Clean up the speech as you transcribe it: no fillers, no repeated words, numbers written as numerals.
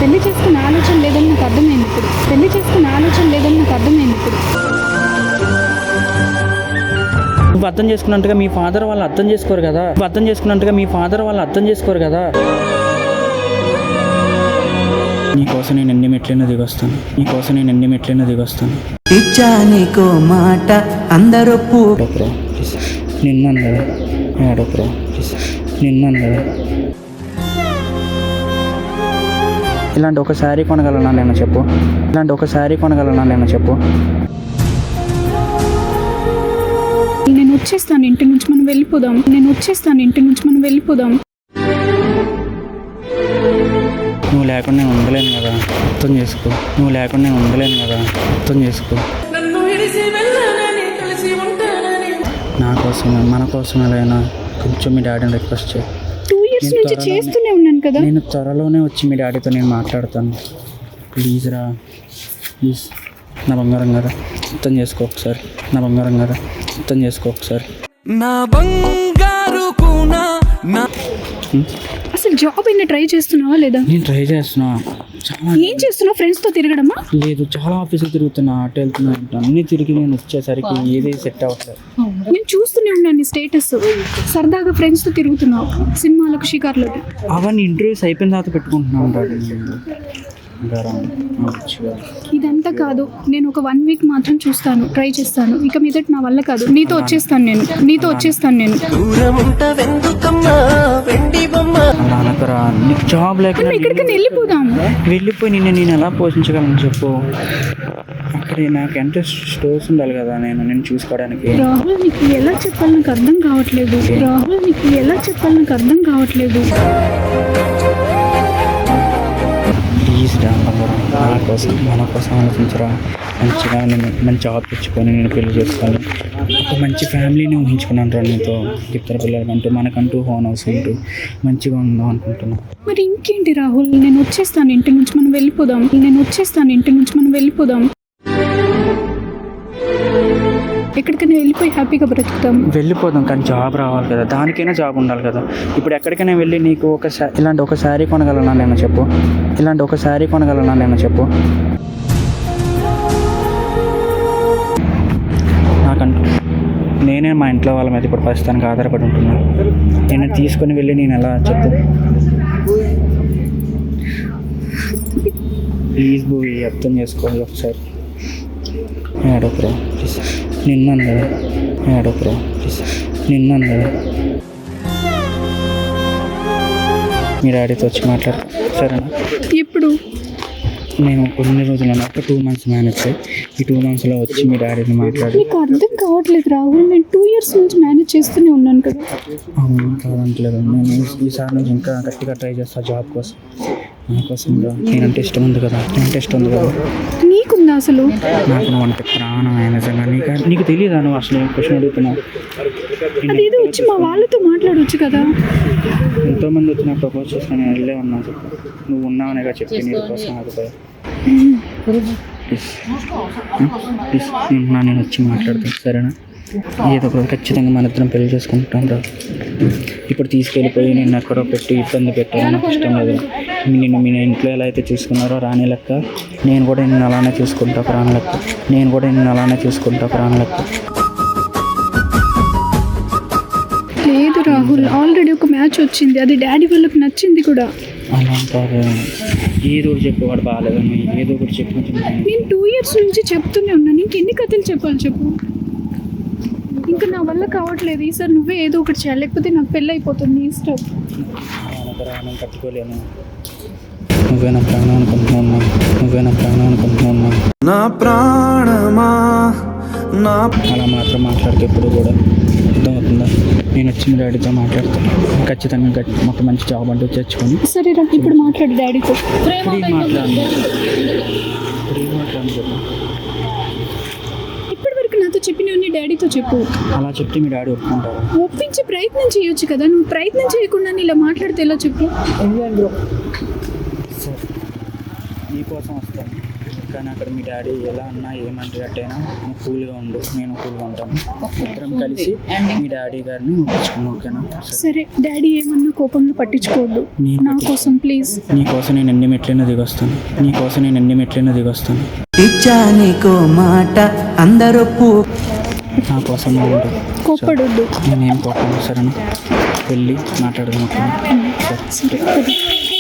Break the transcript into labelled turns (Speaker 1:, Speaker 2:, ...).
Speaker 1: పెళ్లి చేసుకునే ఆలోచన లేదని నాకు అర్థమైంది ఇప్పుడు. పెళ్లి చేసుకునే ఆలోచన లేదని నాకు అర్థమైంది ఇప్పుడు.
Speaker 2: నువ్వు అర్థం చేసుకున్నట్టుగా మీ ఫాదర్ వాళ్ళు అర్థం చేసుకోరు కదా. నువ్వు అర్థం చేసుకున్నట్టుగా మీ ఫాదర్ వాళ్ళు అర్థం చేసుకోరు కదా. నీకోసం నేను ఎన్ని మెట్లైనా దిగొస్తాను. నీకోసం నేను ఎన్ని మెట్లైనా దిగొస్తాను.
Speaker 3: ఇచ్చానికో మాట అందరొప్పు.
Speaker 2: నిన్నాను కదా ఏడోప్రో, నిన్నాను కదా. ఇలాంటి ఒక శారీ కొనగలనా నేను చెప్పు. ఇలాంటి ఒక శారీ కొనగలనా నేను చెప్పు.
Speaker 1: నేను వచ్చేస్తాను ఇంటి నుంచి, మనం వెళ్ళిపోదాం. నేను వచ్చేస్తాను ఇంటి నుంచి, మనం వెళ్ళిపోదాం.
Speaker 2: నువ్వు లేకుండా నేను ఉండలేను కదా, అర్థం చేసుకో. నువ్వు లేకుండా నేను ఉండలేను కదా, అర్థం చేసుకో. నా కోసం, మన కోసం ఎలా కొంచెం మీ డాడీని రిక్వెస్ట్ చేయి.
Speaker 1: 2 years నుంచి చేస్తూనే ఉన్నాను కదా.
Speaker 2: నేను త్వరలోనే వచ్చి మీ డాడీతో నేను మాట్లాడతాను. ప్లీజ్ రా, ప్లీజ్. నా బంగారం కదా, అర్థం చేసుకో ఒకసారి. నా బంగారం కదా, అర్థం చేసుకో ఒకసారి.
Speaker 3: నా బంగారు కూనా నా.
Speaker 1: అసలు జాబ్ అయినా ట్రై చేస్తున్నావా లేదా?
Speaker 2: నేను ట్రై చేస్తున్నా. చాలా
Speaker 1: ఏం చేస్తున్నావు? ఫ్రెండ్స్తో తిరగడమా?
Speaker 2: లేదు, చాలా ఆఫీసులు తిరుగుతున్నా, అటు వెళ్తున్నా, అన్నీ తిరిగి నేను వచ్చేసరికి ఏది సెట్ అవ్వట్లేదు.
Speaker 1: నేను చూస్తూనే ఉన్నాను నీ స్టేటస్. సరదాగా ఫ్రెండ్స్తో తిరుగుతున్నావు, సినిమాలకు, షికార్లకు.
Speaker 2: అవన్నీ ఇంటర్వ్యూస్ అయిపోయిన తర్వాత పెట్టుకుంటున్నాను డాడీ.
Speaker 1: ఇదంతా కాదు, నేను ఒక 1 week మాత్రం చూస్తాను, ట్రై చేస్తాను. ఇక మీదట నా వల్ల కాదు. నీతో వచ్చేస్తాను నేను.
Speaker 2: అలా అనకరా, నీకు జాబ్ లేక
Speaker 1: ఎక్కడికైనా
Speaker 2: వెళ్ళిపోయి నేను ఎలా పోషించగలను చెప్పు. అక్కడ నాకు ఎంత స్టోర్స్ ఉండాలి కదా నేను చూసుకోవడానికి.
Speaker 1: రాహుల్, నీకు ఎలా చెప్పాలి నాకు అర్థం కావట్లేదు.
Speaker 2: ప్లీజ్ రా, మన కోసం ఆలోచించరా. మంచిగా నేను మంచి జాబ్ తెచ్చుకొని నేను పెళ్లి చేసుకొని ఒక మంచి ఫ్యామిలీని ఊహించుకున్నాను రా. నీతో ఇద్దరు పిల్లలకంటూ మనకంటూ హోన్ హౌస్ ఉంటూ మంచిగా ఉందాం అనుకుంటున్నాను.
Speaker 1: మరి ఇంకేంటి రాహుల్, నేను వచ్చేస్తాను ఇంటి నుంచి, మనం వెళ్ళిపోదాం. ఎక్కడికైనా వెళ్ళిపోయి హ్యాపీగా బ్రతుకుతాం.
Speaker 2: వెళ్ళిపోదాం, కానీ జాబ్ రావాలి కదా, దానికైనా జాబ్ ఉండాలి కదా. ఇప్పుడు ఎక్కడికైనా వెళ్ళి నీకు ఇలాంటి ఒక శారీ కొనగలనా నేను చెప్పు. నాకంటూ నేనే మా ఇంట్లో వాళ్ళ మీద ఇప్పుడు ప్రస్తుతానికి ఆధారపడి ఉంటున్నాను. నేను తీసుకొని వెళ్ళి నేను ఎలా చెప్పు. ప్లీజ్ బోయ్, అర్థం చేసుకోవాలి ఒకసారి. ఏడోప్రో, నిన్నాను కదా. మీ డాడీతో వచ్చి మాట్లాడతా, సరేనా?
Speaker 1: ఇప్పుడు
Speaker 2: నేను కొన్ని రోజులు ఒక 2 months మేనేజ్ చేయి. ఈ 2 monthsలో వచ్చి మీ డాడీని మాట్లాడి.
Speaker 1: నీకు అర్థం కావట్లేదు రాహుల్, నేను 2 years నుంచి మేనేజ్ చేస్తూనే ఉన్నాను కదా.
Speaker 2: అవును, కాదంటలేదు. నేను ఈసారి నుంచి ఇంకా గట్టిగా ట్రై చేస్తాను జాబ్ కోసం. నా కోసం నేనంటే ఇష్టం ఉంది కదా.
Speaker 1: నీకుందా అసలు?
Speaker 2: నాకు నువ్వు అంటే ప్రాణం నిజంగా. నీకు తెలియదా? నువ్వు అసలు క్వశ్చన్ అడుగుతున్నావు.
Speaker 1: అదేదో వచ్చి మా వాళ్ళతో మాట్లాడవచ్చు కదా.
Speaker 2: ఎంతోమంది వచ్చి నాకు ప్రపోజ్ చేస్తాను, నేను వెళ్ళే ఉన్నా. నువ్వు ఉన్నావనేగా చెప్పి నీ కోసం ఆగిపోయా. నేను వచ్చి మాట్లాడతాను, సరేనా? ఏదో ఒక ఖచ్చితంగా మన ఇద్దరం పెళ్లి చేసుకుంటాం రా. ఇప్పుడు తీసుకెళ్ళిపోయి నేను ఎక్కడో పెట్టి ఇబ్బంది పెట్టాను, నాకు ఇష్టం లేదు. నిన్ను మీ ఇంట్లో ఎలా అయితే చూసుకున్నారో రాణి లెక్క నేను కూడా నిన్ను అలానే చూసుకుంటా ప్రాణ లెక్క.
Speaker 1: లేదు రాహుల్, ఆల్రెడీ ఒక మ్యాచ్ వచ్చింది, అది డాడీ వాళ్ళకి నచ్చింది కూడా.
Speaker 2: అలా అంటారు. ఏదో ఒకటి చెప్పేవాడు బాగాలేదని, ఏదో ఒకటి చెప్పుకుంటున్నాను.
Speaker 1: నేను 2 years నుంచి చెప్తూనే ఉన్నాను. ఇంకెన్ని కథలు చెప్పాలి చెప్పు. ఇంకా నా వల్ల కావట్లేదు. ఈసారి నువ్వే ఏదో ఒకటి చేయాలి, లేకపోతే నాకు పెళ్ళి అయిపోతుంది. ఇష్టం
Speaker 2: నేను కట్టుకోలేను. నువ్వే నా ప్రాణం అనుకుంటున్నాను.
Speaker 3: నా ప్రాణమా
Speaker 2: అలా మాత్రం మాట్లాడితే ఎప్పుడు కూడా అర్థమవుతుందా? నేను వచ్చి మీ డాడీతో మాట్లాడతాను. ఖచ్చితంగా మాకు మంచి జాబ్ అంటూ తెచ్చుకొని.
Speaker 1: సరే రా, ఇప్పుడు మాట్లాడు డాడీతో. ఇప్పటి వరకు నాతో చెప్పినవన్నీ డాడీతో చెప్పు.
Speaker 2: అలా చెప్తే మీ డాడీ ఒప్పుకుంటారు.
Speaker 1: ఒప్పించి ప్రయత్నం చేయొచ్చు కదా. నువ్వు ప్రయత్నం చేయకుండా ఇలా మాట్లాడితే ఎలా చెప్పు.
Speaker 2: నీ కోసం వస్తాను, కానీ అక్కడ మీ డాడీ ఎలా అన్నా ఏమంటే అట్టయినా నువ్వు కూల్గా ఉండు, నేను కూల్గా ఉంటాను. ఇద్దరం కలిసి మీ డాడీ గారిని ఒప్పించుకున్నాను, ఓకేనా?
Speaker 1: సరే డాడీ ఏమన్నా కోపంలో పట్టించుకోవద్దు, నా కోసం ప్లీజ్.
Speaker 2: నీ కోసం నేను ఎన్ని మెట్లైనా దిగొస్తాను, నీ కోసం నేను ఎన్ని మెట్లైనా దిగొస్తాను.
Speaker 3: ఇచ్చా నీకో మాట అందరొప్పు.
Speaker 2: నా కోసం నువ్వు ఉండు.
Speaker 1: కోప్పడొద్దు.
Speaker 2: నేనేం కోపం సరేనా? వెళ్ళి మాట్లాడదాం, ఓకేనా?
Speaker 1: సరే